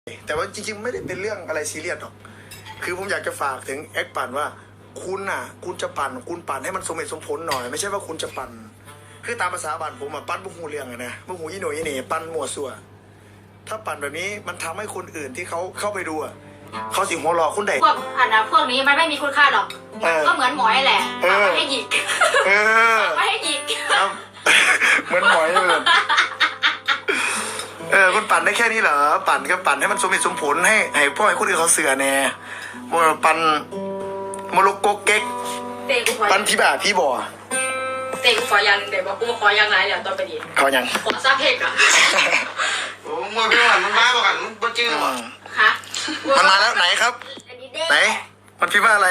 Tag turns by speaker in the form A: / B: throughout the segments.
A: แต่ว่าจริงๆไม่ได้เป็นเรื่องอะไรซีเรียสหรอกคือผมอยากจะฝากถึงแอคปั่นว่าคุณน่ะคุณจะปั่นคุณปั่นให้มันสมเหตุสมผลหน่อยไม่ใช่ว่าคุณจะปั่นคือตามภาษาบ้านผมปั่นบุหูเรื่องนะบุหูยี่หน่อยยี่หนี่ปั่นมั่วซั่วถ้าปั่นแบบนี้มันทำให้คนอื่นที่เขาเข้าไปดูเขาสิหัวเราะคุณได้
B: พวกพวกนี้มันไม่มีคุณค่าหรอกก็เหมือนหมอยแหละไม่ให้หยิกไม่ให้หยิก
A: ครับเหมือนหมอยเลยคุณปั่นได้แค่นี้เหรอปั่นก็ปั่นให้มันสมเหตุสมผลให้พ่อให้คนอื่นเขาเสือแน่มัวปั่นมลุกโกเก๊กปั่นพี่บ่าพี่บ่อ
B: เตะกูขอยังเดี๋ยวบอกกูขอยังไงเดี๋ยวตอนไปดี
A: ขอยัง
B: ขอซาเพกอ่ะ
C: โอ้มัวพี่ว่ามันมาบอกกันมันจื้อหรอ
B: คะ
A: มันมาแล้วไหนครับไหนมันพี่ว่าอะไร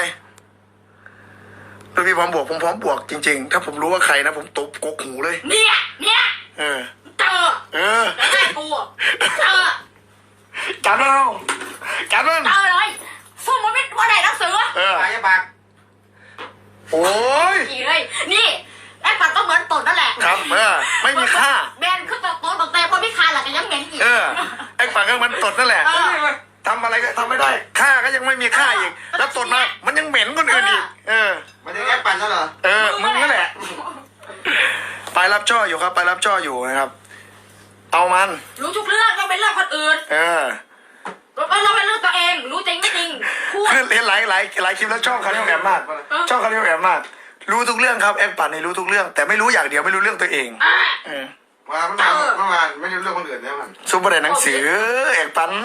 A: พี่พร้อมบวกผมพร้อมบวกจริงๆถ้าผมรู้ว่าใครนะผมตบกกหูเลย
B: เนี่ยเจอแล้วไงกูเจอ
A: จับแล้วจับแล้ว
B: เจอเลยสู้มันไม่ว่าไหนนักสือ
C: ปากจะปาก
A: โอ้ย
B: เลยนี่ไอ้ปัดก็เหมือนตดนั่นแหละ
A: ครับไม่มีค่า
B: แบนคือตดบอกแต่พอไม่ค่าหลักยังเหม็นอีก
A: ไอ้ปัดก็มันตดนั่นแหละทำอะไรก็ทำไม่ได้ค่าก็ยังไม่มีค่าอีกแล้วตดมามันยังเหม็นคนอื่นอีก
C: มันจะแอบปั่นใช่เหรอ
A: มึงนั่นแหละไปรับช่ออยู่ครับไปรับช่ออยู่นะครับเอามัน
B: รู้ทุกเรื่องเราเป็นเรื่องคนอื่นเราเป็นเรื่องตัวเองรู้จริงไม่จริง
A: คือเห็นหลายคลิปแล้วชอบเขาเรียกแอบมากชอบเขาเรียกแอบมากรู้ทุกเรื่องครับแอบปั่นนี่รู้ทุกเรื่องแต่ไม่รู้อย่างเดียวไม่รู้เรื่องตัวเอง
C: ว่าเมื่อวานไม่รู้เรื่องคนอื่นเนี่ยมัน
A: ซุปเปอร์เดนหนังสือแอบปั่น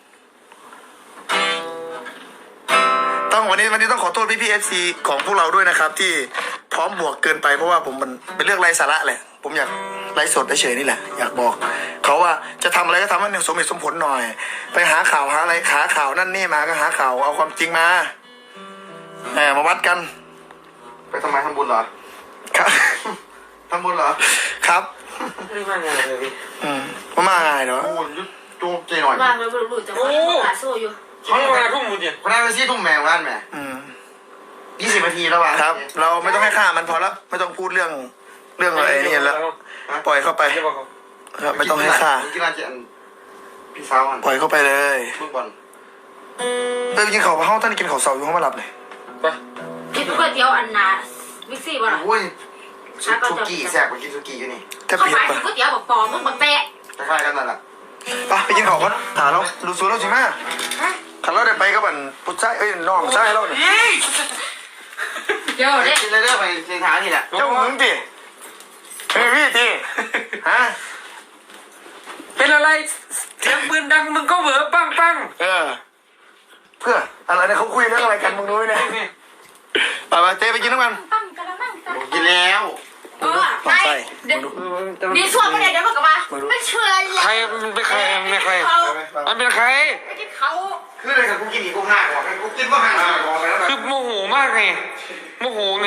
A: วันนี้ต้องขอโทษพี่เอฟซีของพวกเราด้วยนะครับที่พร้อมบวกเกินไปเพราะว่าผมมันเป็นเรื่องไร้สาระแหละผมอยากไร้สดเฉยนี่แหละอยากบอกเขาว่าจะทำอะไรก็ทำให้สมเหตุสมผลหน่อยไปหาข่าวหาอะไรหาข่าวนั่นนี่มาก็หาข่าวเอาความจริงมามาวัดกัน
C: ไปทำไมทำบุญเหรอ
A: ครับ
C: ทำบุญเหรอ
A: ครับ
C: ไม่มาไงเลยพี่
A: มาไงเนาะ
C: โอ้ยจุ๊บใจหน่อย
B: มาเลยรู้จะมาสู้อยู่
C: เขาเวลาทุ่มหมดเนี่ยเวลาไปซี่ทุ่มแมวร้านแม่20 นาทีแล้ววะ
A: ครับเราไม่ต้องให้ค่ามันพอแล้วไม่ต้องพูดเรื่องอะไรนี่แล้วปล่อยเข้าไปครับไม่ต้องให้ค่า
C: กีฬาเจนพี่สาว
A: ปล่อยเข้าไปเลย
C: ลูกบอล
A: กินข้าวห้องท่านกินข้าวเสาอยู่ห้องมาหลับเลย
C: ไป
B: กินก๋วยเตี๋ยวอันนามิกซี่บ่ล่ะ
C: โอ้ยสุกี้แซ่บไปกินสุกี้อยู่นี่
B: เข้าไปก๋วยเตี๋ยวบอกปอมึงบักแตะ
C: คล้ายๆกันนั่นแหละ
A: ไปกินข้าวก่อนถามเราดูสูเราสิมาขันเราได้ไปก็บันพุทธไอ้น้องใช่เราเนี่ย
B: เดี๋ยวเด็ก
C: กินเลยเด้อไปเชียงคานนี่แหละ
A: เจ้ามึงดิพี่ดิฮะ
D: เป็นอะไรเสียงปืนดังมึงก็เหวอปัง
A: เพื่ออะไรเนี่ยเขาคุยเรื่องอะไรกันมึงรู้ไหมเนี่ยไปเจ๊ไปกินน้ำมัน
C: กินแล้ว
B: ใช่ดีส่วนไม่ได้เดี๋ยวบอกกันว่าไม่เชื่อเลย
D: ใครมันเป็นใครไม่ใครมันเป็นใคร
B: เขา
C: คืออะไรกับกูกินอีกกูห่าก่อนกูกินว่าห่าก่อนแล้ว
D: คือโมโหมากไงโมโหไง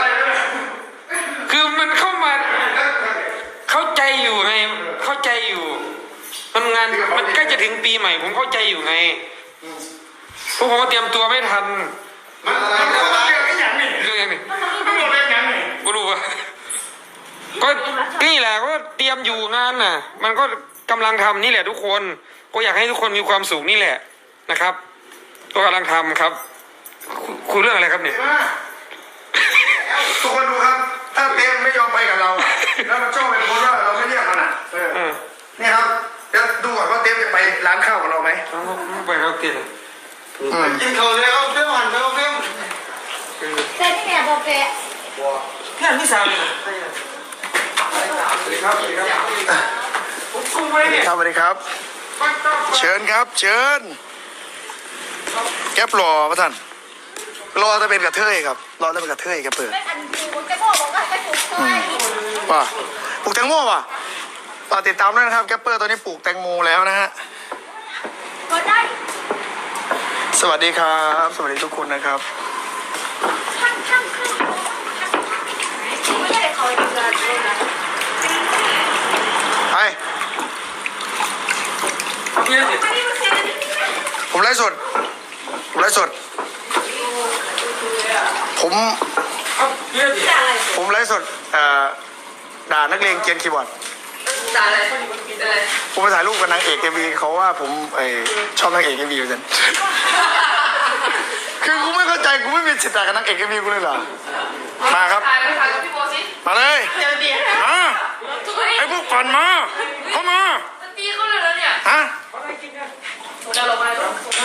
D: คือมันเข้ามาเข้าใจอยู่ไงเข้าใจอยู่มันงานมันใกล้จะถึงปีใหม่ผมเข้าใจอยู่ไงพวกผมเตรียมตัวไม่ทัน
C: มันอะไรเรื่องอย่างนี้
D: กูรู้ว่าก็นี่แหละก็เตรียมอยู่งานน่ะมันก็กำลังทำนี่แหละทุกคนก็อยากให้ทุกคนมีความสุขนี่แหละนะครับก็กำลังทำครับคุยเรื่องอะไรครับเนี่ย
A: ทุกคนดูครับถ้าเต้ไม่ยอมไปกับเราแล้วมันชอบเป็นคนว่าเราไม่เรียกมันนี่ครับเดี๋ยวดูก่อนว่าเต้จะไปร้านข้าวกับเราไหม
D: ไปครับเต้
C: กินเขาเลยเอาเพิ่มหันไปเอาเพิ่ม
B: เต้นี่แหละบอกแก
D: แค่ที่สามเลย
A: สวัสดีครับสวัสดีครับเชิญครับเชิญแก๊ปรอพระท่านรอจะเป็นกระเทยครับรอจะเป็นกระเทยแกเปิดป่ะปลูกแตงโมป่ะติดตามด้วยนะครับแก๊ปเปอร์ตัวนี้ปลูกแตงโมแล้วนะฮะสวัสดีครับสวัสดีทุกคนนะครับไปผมไลฟ์สดผมไลฟ์สดผมไลฟ์สดด่านักเลงเกียนคีย์บอร์ด
B: ด่าอะไรอะไร
A: ผมไปถ่ายรูปกับนางเอกเอ็มวีเขาว่าผมชอบนางเอกเอ็มวีอยู่จันคือกูไม่เข้าใจกูไม่มีสิทธิ์ด่ากับนางเอกเอ็มวีกูเลยเหรอมาครับ
B: ถ่ายไปถ่ายกับพี่โบสิ
A: มาเลย
B: เดี๋ยวเดี๋ยว
A: มาไอ้พวกปั่นมาเข้ามา
B: ตีเขาเลยแล้วเนี่ย
A: ฮะ
B: เดี๋ยวเราไป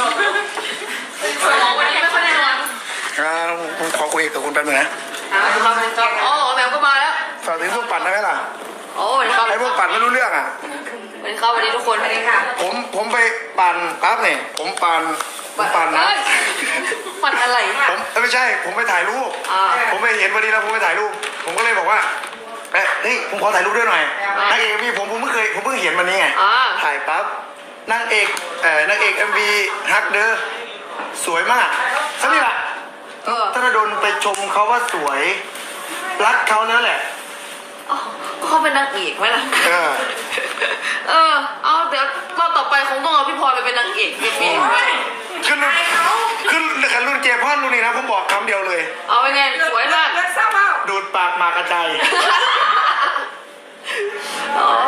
B: วันนี้ไม่ค่อยได้นอน
A: ผมขอคุยกับคุณแป๊บนึงนะ
B: อ๋อแมวก็มาแล้ว
A: ฝากถึงพวกปั่นได้ไหมล่ะ
B: โอ้สวัสดีครับ
A: ไอ้พวกปั่นไม่รู้เรื่องอ่ะ
B: สวัสดีครับสวัสดีทุกคนสวัสดีค่ะ
A: ผมไปปั่นปั๊บเนี่ยผมปั่นนะ
B: ปั่นอะไรเนี่ย
A: ผมไม่ใช่ ผมไปถ่ายรูป ผมไปเห็นวันนี้แล้วผมไปถ่ายรูป ผมก็เลยบอกว่าเฮ้ยผมขอถ่ายรูปด้วยหน่อยนางเอกมีผมเพิ่งเห็นวันนี้ไงถ่ายปั๊บนางเอกเอ็มวีฮักเดอร์สวยมากสักนี่แหละธนดลไปชมเขาว่าสวยรักเขานั่นแหละ
B: เขาเป็นนางเอกไหมล่ะเอาเดี๋ยวรอบต่อไปคงต้องเอาพี่พรไปเป็นนางเอกพี่
A: ขึ้นรุ่นเจพอนรุ่นนี้นะผมบอกคำเดียวเลย
B: เอาไปไงสวยมาก
A: ดูดปากหมากกระจาย
B: อ๋อ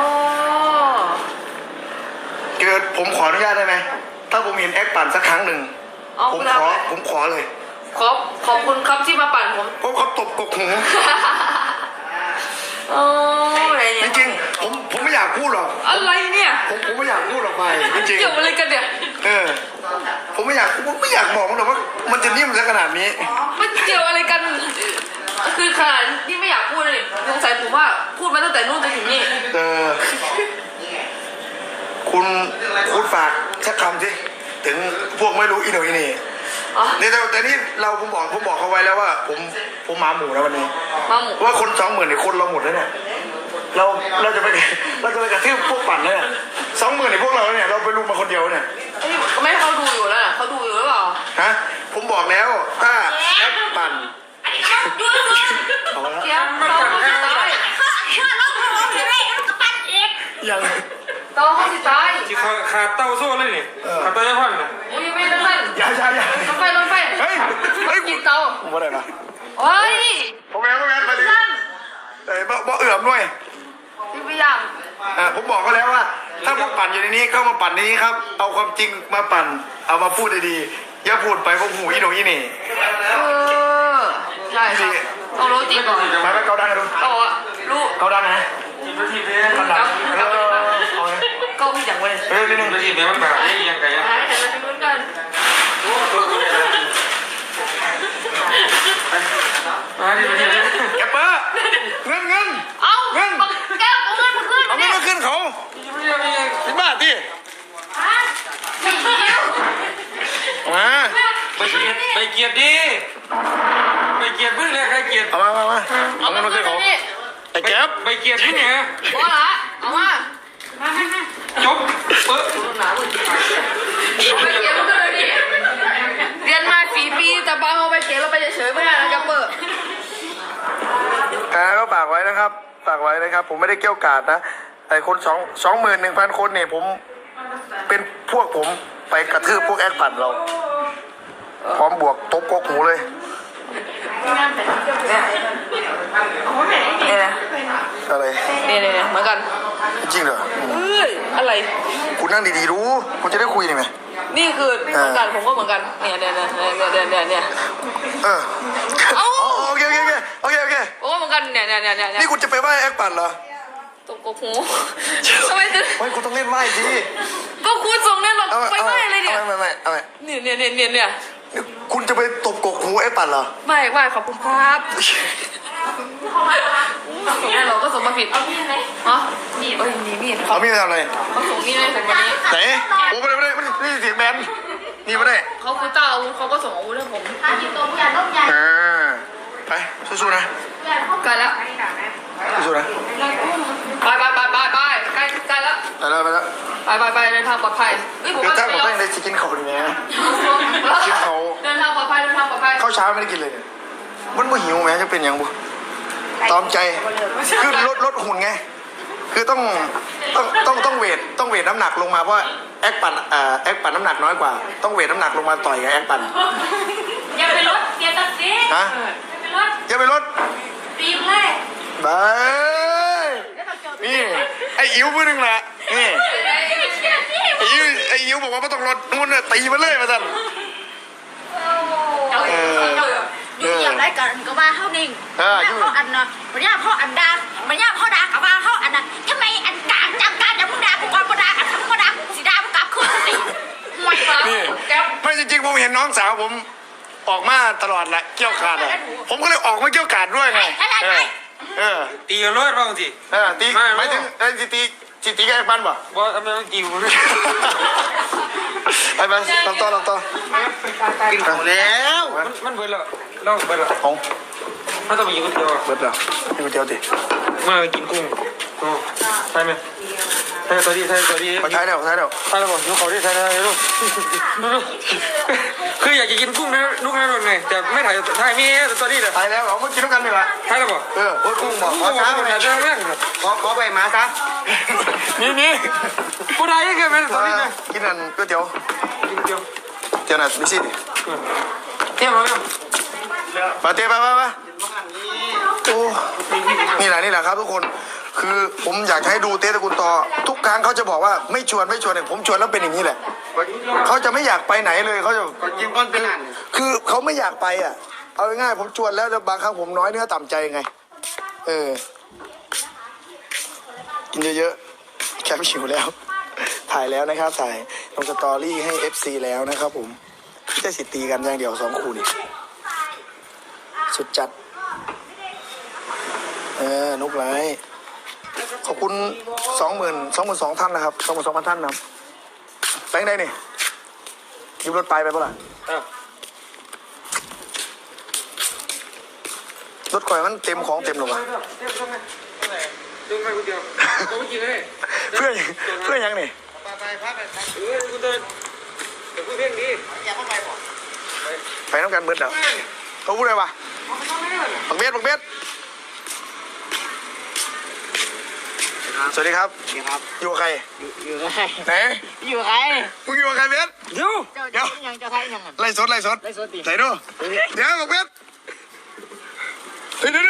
A: เกิดผมขออนุญาตได้ไหมถ้าผมเห็นแอคปั่นสักครั้งหนึ่งผมขอเลย
B: ขอบคุณครับที่มาปั่นผม
A: เพราะเขาตบกกหู
B: โอ้อะไร
A: จ
B: เนี่ย
A: ริงๆผมไม่อยากพูดหรอก
B: อะไรเนี่ย
A: ผมไม่อยากพูดหรอกไปจริง
B: เกี่ยวอะไรกันเนี่ย
A: ๆผมไม่อยากบอกมันหรอกว่ามันจะนิ่มซะขนาดนี้
B: มันเกี่ยวอะไรกัน คือขนาดที่ไม่อยากพูดเลยสงสัยผมว่าพูดมาตั้งแต่นู่นจนถึงนี่
A: คุณฝากสักคำสิถึงพวกไม่รู้อีโหนอีนี่นี่แต่นี่ผมบอกเขาไว้แล้วว่าผมหมาหมูนะวันนี้
B: มาหมู
A: ว่าคน20,000เนี่ยคนเราหมดแล้วเนี่ยเราจะไปกระทืบพวกปั่นเนี่ย20,000เนี่ยพวกเราเนี่ยเราไปลุมมาคนเดียวเนี่ย
B: ไม่ให้เขาดูอยู่แล้วนะเขาดูอยู่หรือเปล่า
A: ฮะผมบอกแล้วถ้าแอปปั่น
B: ดูเอาละเดี๋ยวเราเขาสิตาย
A: ยัง
B: เราเขาสิตาย
D: ที่ขาดเต้าโซ่เลยนี่ขาดเต้าเจ้าพ่อนน่ะ
B: โอ้ยไม่ต้องเล่น
A: อย่า
B: ลงไป
A: เฮ้ย
B: กินเตา
A: ผมว่าอะไรนะ
B: โอ้ย
A: ผมแม่มาดิบ่เอื่อมด้วย
B: พี่ไม่ยัง
A: ผมบอกเขาแล้วว่า ถ้าพวกปั่นอยู่ในนี้ก็มาปั่นในนี้ครับเอาความจริงมาปั่นเอามาพูดดีๆอย่าพูดไปพวกหูอีโหนอีนี่
B: ใช่ครับต้องรู้จริงก่อน
A: มาเกาดังกันดู
B: เขาบอกว่ารู้
A: เกาดังนะ
D: ทีมละทีมเลย
A: เกาดังเอาเลย
B: ก็พี่อย่างเว้ย
A: นิดนึ
D: ที
A: ง
D: มละทีมเลยมันแบบนี้ยังไงอ่ะ
B: แต่เราจะรู้กัน
D: มาทีมละทีมเลย
A: แกเปอร์เงิน
B: เอาแก้วเอาเงินมาขึ้น
A: เอาเงินมาขึ้นเขาสิบบาทดิมา
D: ไปเกียรติดิไปเกียรติพึ่งเลยใครเกียรติ
A: เอามา
B: เอาเงินมาขึ้นเขา
A: ไอ้แก๊ป
D: ไปเกียรติพึ่งไง
B: พอละเอามา
D: จบ
B: หนาเว้ยไปเขียนขึ้นเลยดิเรียนมา4 ปีแต่บางเอาไปเขียนเราไปเฉยๆไม่ได้นะแกเปิด
A: ก็ฝากไว้นะครับผมไม่ได้เกี่ยวกาดนะแต่คน21,000 คนเนี่ยผมเป็นพวกผมไปกระทืบพวกแอคปั่นเราพร้อมบวกตบกกหูเลย
B: เนี่ยนะ
A: อะไร
B: เนี่ยเหมือนกัน
A: จริงเหรอ
B: เอ้ยอะไร
A: คุณนั่งดีๆรู้คุณจะได้คุยนี่ไหม
B: นี่คือเหมือนกันผมก็เหมือนกันเนี่ย
A: โอเค
B: โอ้เหมือนกันเนี่ย
A: นี่คุณจะไปไหว้แอคปั่นเหรอ
B: ตกกหูทำไมถึง
A: ไม่คุณต้องเล่นไหว้สิ
B: ก็คุณส่งเนี่ยหรอกไปไม่อะไรเนี่ย
A: เอา
B: เนี่ย
A: คุณจะไปตบกกหูแอคปั่นเหรอ
B: ไม่ขอบคุณครับส่งให้เราก็ส่งมาผิดเอาพี่ไหมฮะนี่มีด
A: เอามีดทำอะไร
B: เขาส่งมีดให้ผมวันนี้
A: ไหนโอ้ไม่ได้นี่เสียงแมนนี่ไม่ได้
B: เขาคือเจ้าอาวุธเขาก็ส่งอาวุธให้ผม
A: ไปสู้ๆนะ
B: ใกล้แล้ว
A: สู้ๆนะ
B: ไปใกล้แล้ว
A: ไปแล้ว
B: ไปเดินทางปลอดภัยเฮ้ยผม
A: เดี๋ยว
B: ว่า
A: ถ้าผม
B: จะ
A: ไม่ได้จะกินเขาดีไหม กินเขา
B: เดินทางปลอดภัย
A: ข้าวเช้าไม่ได้กินเลยมันบ่หิวไหมจะเป็นยังบุตอมใจคือลดหุ่นไงคือต้องเวทน้ำหนักลงมาเพราะแอคปั่นน้ำหนักน้อยกว่าต้องเวทน้ำหนักลงมาต่อยกับแอคปั่น
B: อย่าไปรถเกียร์ตัดสิ
A: ฮะอย่าไปลด
B: ปีแรก
A: บาย
B: แล้วเราเจอ
A: นี่ไอ้อิ๋วมือหนึ่งแหละนี่ไอ้อิ๋วบอกว่าไม่ต้องรถนู่นน่ะตีมาเลยมาสั่น
B: นี่อยากได้กันก็มาเข้านิ่งพ่ออันนะมันยากพ่ออันดามันยากพ่อดากับว่าเข้าอันนะทำไมอันกลางจำการจำมึงดากูก่อนมึงดากันทำมึงดาสีดามึงกลับขึ้นสิไม่ฟัง
A: นี่ไม่จริงๆผมเห็นน้องสาวผมออกมาตลอดแหละเกี่ยวกาดอะผมก็เลยออกมาเกี่ยวกาดด้วยไงเออ
D: ตีกันเลยบ้างสิ
A: ตีไม่ถึงตีแกปันป่ะ
D: ว่าทำไมต้องกิว
A: ไปไปลำต่อ
C: กินของแล้ว
D: มันเบิดแล้วเราเบิดแล้ว
A: ของ
D: ถ้าต้องไปกินก๋วยเตี๋ยว
A: เบิดแล้วนี่ก๋วยเตี๋ยวดิ
D: มาไปกินกุ้งโอ้ใช่ไหมใช่ตัวดีใช่ตัวดี
A: มาใช้แล้ว
D: ใช่แล้วบอกลูกเขาที่ใช่ได้ลูกคืออยากจะกินกุ้งนะลูกนะไงแต่ไม่ถ่ายมีตัวนี้เลย
A: ใช้แล้วเอามากินด้วยกันดีกว่า
D: ใช่แล้วบอก
A: โอ้ยกุ้งบอก
D: ขอช้าไปถ่ายเรื่องแรก
C: ขอไปมาซะ
D: นี่ผู้ใดก็เป็นตัวนี้นะ
A: กินอันก๋วยเตี๋ยว
D: กินเดียว
A: เตี๋ยวน่ะไม่ใช่ดิ
D: เที่ยวมาแล้ว
A: มาเตี๋ยวไปโอ้นี่แหละครับทุกคนคือผมอยากให้ดูเต้ตระกูลต่อทุกครั้งเขาจะบอกว่าไม่ชวนเนี่ยผมชวนแล้วเป็นอย่างนี้แหละเขาจะไม่อยากไปไหนเลยเขาจะ
C: กินก้อนเป็นอัน
A: คือเขาไม่อยากไปอ่ะเอาง่ายๆผมชวนแล้วแต่บางครั้งผมน้อยเนื้อต่ำใจไงกินเยอะๆแคปชิวแล้วถ่ายแล้วนะครับถ่ายลงสตอรี่ให้ FC แล้วนะครับผมจะสิตีกันอย่างเดียว2 คู่นี่สุดจัดนุกไลท์ขอบคุณ22,000ท่านนะครับ22,000ท่านนะครับแบงค์ได้นี่ยืมรถไปเปล่าล่ะรถข่อยมันเต็มของเต็มหรอวะเพื่อนยังนี่
C: ไปพักไป
D: คุณเดินแต่พูดเรื่องนี้
C: อย่าเข้าไปบ่
A: ไปน้ำกันเบิดเหรอเขาพูดอะไรวะบักเบ็ดสวัสดีครับ
C: ดีครับ
A: อยู่กับใคร
C: อยู่กับใคร
A: ไหน
C: อยู่กับใคร
A: มึงอยู่กับใครเบ็ด
D: เดี๋ยว
C: เจ้ายังเจ้าไทยยัง
A: ไล่สด
C: ไล่สดดิ
A: ใส่ดูเดี๋ยวบักเบ็ดเฮ้ยเดี๋ยว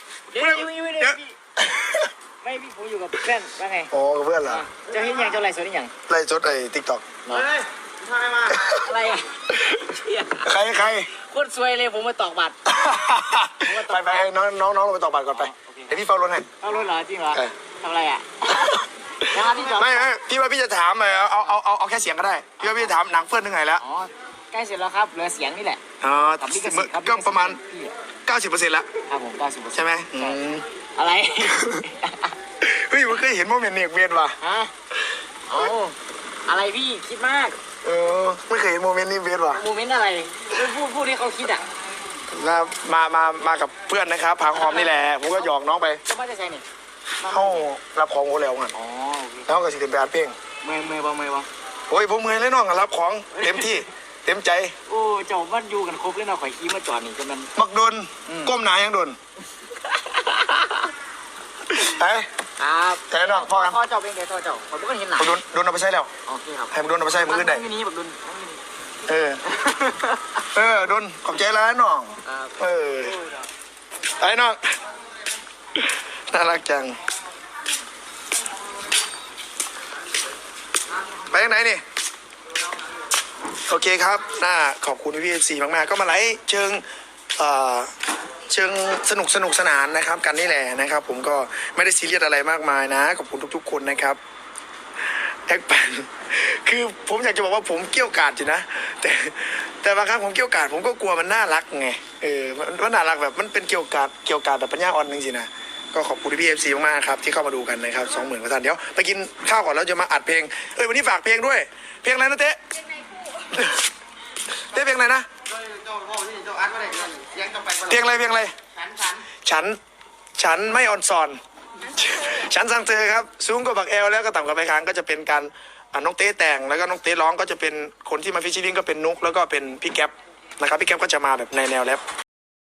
C: ไม่พี่ผมอยู่กับเพื่อนว่าไง
A: อ๋อกับเพื่อนเหรอ
C: เจ้าเห็นยังเจ้าไล่สดยัง
A: ไล่สดไอ้ติ๊กต็อก
C: เฮ้ยทำไมมาอะไรอ่ะ
A: ใคร
C: โคตรซวยเลยผมมาตอกบัตร
A: ไปน้องลงไปต่อบัตรก่อนไปเดี๋ยวพี่เฝ้ารถให้
C: เอารถเหรอจริงเหรอทำอะไรอ่ะนะครับพี่จอด
A: ไม่พี่ว่าพี่จะถามเอาแค่เสียงก็ได้พี่ว่าพี่จะถามหนังเฟื่อนถึงไหนแล้ว
C: อ๋อใกล้เสร็จแล้วครับเหลือเสียงนี่แหละ
A: อ๋อ
C: กับลิขสิทธิ์ครับ
A: ก็ประมาณ
C: พี่
A: 90%แล้ว
C: ครับผม90%
A: ใช่ไหม
C: อะไร
A: เฮ้ยมันเคยเห็นโมเมนต์เนียกเบียนว่ะ
C: ฮะโอ้อะไรพี่คิดมาก
A: ไม่เคยเห็นโมเมนต์นี้เบียนว่ะ
C: โมเมนต์อะไรพูดที่เขาคิดอ่ะ
A: นะมากับเพื่อนนะครับผางหอมนี่แหละผมก็หยอกน้องไป
C: จะมาจะใช่นี่
A: เข้ารับของโอแล้วกัน
C: อ๋อโอเค
A: แล้วก็สิเต็มไปอัดเพลง
C: เมื่อยบ่
A: โอ้ยผมเมื่อยเลยน้องรับของเต็มที่เต็มใจ
C: โอ้เจ้าบ้านอยู่กันครบเลยเนาะข่อยขี้มาจอดนี่จนมัน
A: มักโดนก้มหนายังโดนไอ้
C: ครับ
A: แต่น้องพ่อกัน
C: พ่อเจ้าเป็นไงพ่อเจ้าผมก็เห็นหนา
A: โดนเอาไปใช้แล้ว
C: โอเคครับ
A: ให้มันโดนเอาไปใช้มือได้
C: อยู่นี่แบบดุน
A: โดนขอบใจแล้วน้อง
C: ครับ
A: ไอ้น้องน่ารักจังไปทางไหนนี่โอเคครับขอบคุณพี่เอฟซีมากๆก็มาไลฟ์เชิงสนุกสนานนะครับกันนี่แหละนะครับผมก็ไม่ได้ซีเรียสอะไรมากมายนะขอบคุณทุกๆคนนะครับแอคปันคือผมอยากจะบอกว่าผมเกี่ยวกาดอยู่นะแต่บางครั้งผมเกี่ยวกาดผมก็กลัวมันน่ารักไงมันน่ารักแบบมันเป็นเกี่ยวกาดแบบปัญญาอ่อนจริงๆนะก็ขอบคุณพี่เอฟซีมากๆครับที่เข้ามาดูกันนะครับ20,000 กว่าท่านเดี๋ยวไปกินข้าวก่อนแล้วจะมาอัดเพลงวันนี้ฝากเพลงด้วยเพลงอะไรนะเต้เพลงอะไรนะเพลงอะไรฉันไม่ออนซอนฉันสั่งเธอครับสูงกว่าบักแอลแล้วก็ต่ำกว่าไปค้างก็จะเป็นการน้องเต้แต่งแล้วก็น้องเต้ร้องก็จะเป็นคนที่มาฟิชชิ่งก็เป็นนุกแล้วก็เป็นพี่แก๊ปนะครับพี่แก๊ปก็จะมาแบบในแนวแรป